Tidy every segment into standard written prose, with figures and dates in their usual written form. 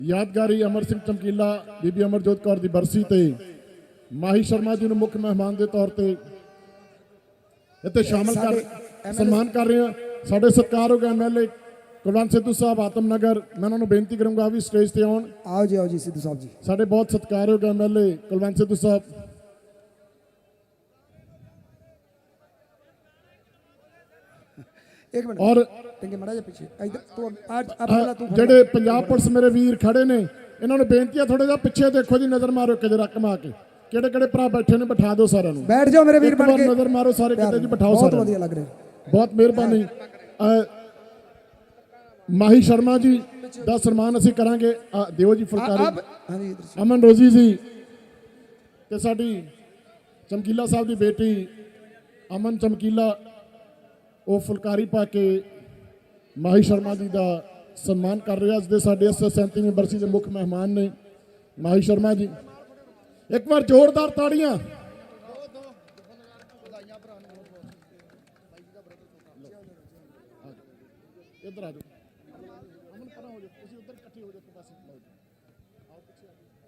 यादगारी अमर सिंह चमकीला बीबी अमरजोत कौर की बरसी ते माही शर्मा जी मुख्य मेहमान के तौर पर इतने शामिल कर सम्मान कर रहे हैं। साढ़े सत्कारयोग MLA कुलवंत सिद्धू साहब आतमनगर, मैं उन्होंने बेनती करूंगा भी स्टेज से आउन। आओ जी सिद्धू साहब जी। साढ़े बहुत सत्कारयोग MLA कुलवंत सिद्धू साहब। एक मिनट और जेडे पंजाब पुलिस मेरे वीर खड़े ने, इन्होंने बेनती है थोड़ा जा पिछे देखो जी, नजर मारो कि जरा कमा के केड़े केड़े भरा बैठे ने, बिठा दो सारे बैठ जाओ मेरे वीर बन के, नजर मारो सारे किते जी, बिठाओ बहुत सारे। बढ़िया लग रहे, बहुत मेहरबानी। माही शर्मा जी का सम्मान असीं करांगे। दिओ जी फुलकारी। अमन रोजी जी ते साडी चमकीला साहब की बेटी अमन चमकीला वो फुलकारी पा के माही शर्मा जी का सम्मान कर रहे। अज दे साडे 37वीं बरसी के मुख्य मेहमान ने माही शर्मा जी। एक बार जोरदार ताड़ियां। इधर आ जाओ, अमन परा हो जाओ, तुसीं उधर इकट्ठे हो जाओ, पासे आओ पीछे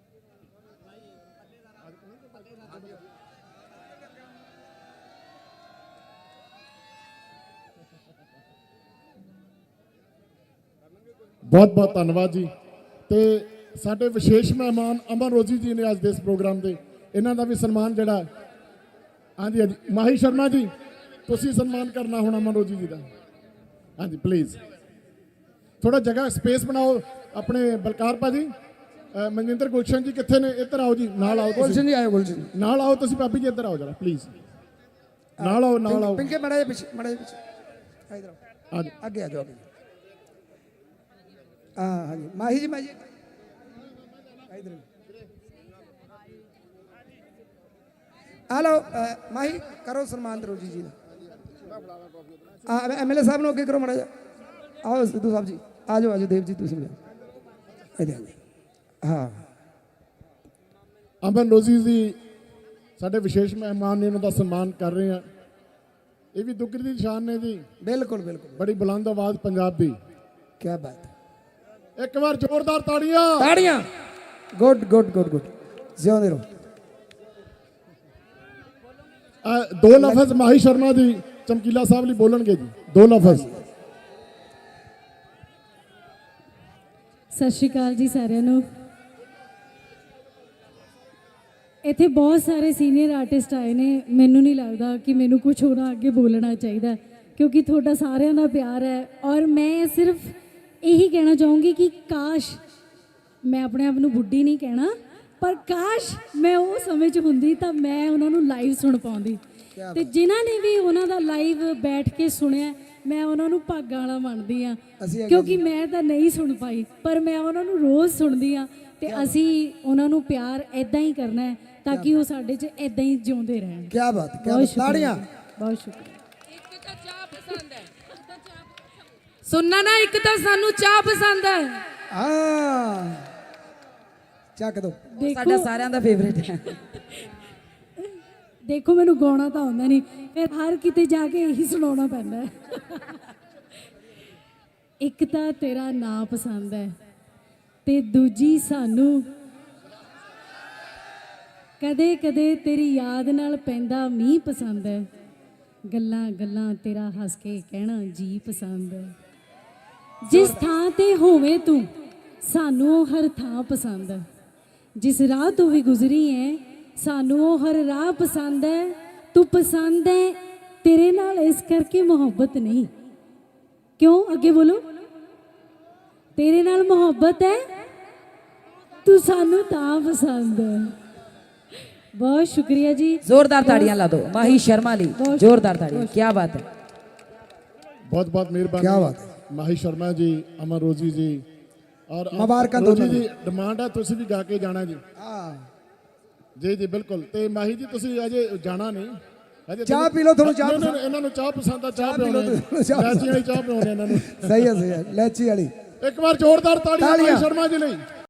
बहुत बहुत धन्यवाद जी। तो साडे विशेष मेहमान अमन रोजी जी ने अज दे इस प्रोग्राम के, इन्हों का भी सम्मान जड़ा। हाँ जी हाँ जी, माही शर्मा जी तुसीं सम्मान करना होना अमन रोजी जी का। हाँ जी प्लीज़ थोड़ा जगह स्पेस बनाओ अपने बलकार भाजी। मनजिंदर गुलशन जी कितने ने, इधर आओ जी, नाल आओ। गुलशन जी आयो, गुलशन जी नाल आओ, तुसीं भाभी जी इधर आओ जरा प्लीज़, नाल आओ नाल आओ। पिंके मड़ा पीछे, मड़ा पीछे इधर आओ, हाँ जी आगे आ जाओ। हाँ हाँ जी माही जी, माही इधर हेलो माही करो सम्मान रोजी जी का। MLA साहब ने अगे करो मड़ा जा। आओ सिद्धू साहब जी, आ जाओ देव जी तुम हाँ। अमन रोजी जी साढ़े विशेष मेहमान ने, उन्होंने सम्मान कर रहे हैं। ये भी दुगरी की शान ने जी। बिल्कुल बिल्कुल, बड़ी बुलंद आवाज पंजाब की। क्या बात है, एक बार जोरदार ताड़ियां। ताड़ियां। गुड गुड गुड गुड, जियोंदे रहो। दो लफज माही शर्मा जी चमकीला साहब लिए बोलणगे जी, दो लफज। सत श्री अकाल जी सारिਆਂ ਨੂੰ। ਇੱਥੇ बहुत सारे सीनियर आर्टिस्ट आए ने, ਮੈਨੂੰ नहीं लगता कि मैनू कुछ होना अगे बोलना चाहिए क्योंकि थोड़ा सारिਆਂ ਦਾ प्यार है। और मैं सिर्फ यही कहना चाहूँगी कि काश, मैं अपने आप को बुढ़ी नहीं कहना, पर काश मैं वो समय च हुंदी तां मैं उन्होंने लाइव सुन पाउंदी। ते जिन्हां ने भी उन्हां दा लाइव बैठ के सुनिया, मैं उन्होंने भागां वाला मनदी हाँ क्योंकि मैं तो नहीं सुन पाई, पर मैं उन्होंने रोज़ सुनदी हाँ। ते असी उन्होंने प्यार इदां ही करना है ताकि वो साडे च इदां ही जिउंदे रहन। क्या बात, क्या बात, ताड़ियां। बहुत शुक्रिया। एक तो चाह पसंद है सुनना ना, एक तो सानू चाह पसंद है। हाँ चक दो, साडा सारियां दा फेवरेट है। देखो मैनू गाना तो आउंदा नहीं, फिर हर किते जाके यही सुनाना पैंदा है। एक तो तेरा नाम पसंद है ते दूजी सानू कदे कदे तेरी याद नाल पैंदा मींह पसंद है। गल्लां गल्लां तेरा हस के कहना जी पसंद है। जिस थां ते होवे तू सानू हर थां पसंद है। जिस राह तू भी गुजरी है सानू हर राह पसंद है। तू पसंद है तेरे नाल इस करके मोहब्बत नहीं, क्यों अगे बोलो, तेरे नाल मोहब्बत है, तू सानू तां पसंद है। बहुत शुक्रिया जी, जोरदार ताड़ियां ला दो माही शर्मा ली, जोरदार ताड़ियां। क्या बात है, बहुत बहुत मेहरबानी। क्या बात है माही शर्मा जी, अमन रोजी जी और मुबारक रोजी जी। डिमांड है तुसीं भी गा के जाना जी। हाँ जी जी बिल्कुल। तो माही जी तुसीं अजे जाना नहीं, अजे चाह पी लो, थोड़ी चाह इन्होंने चाह पसंद है, चाह पी लो, इलायची वाली चाह पिलाउने इन्होंने। सही है इलायची वाली। एक बार जोरदार ताड़ियां माही शर्मा जी ਲਈ।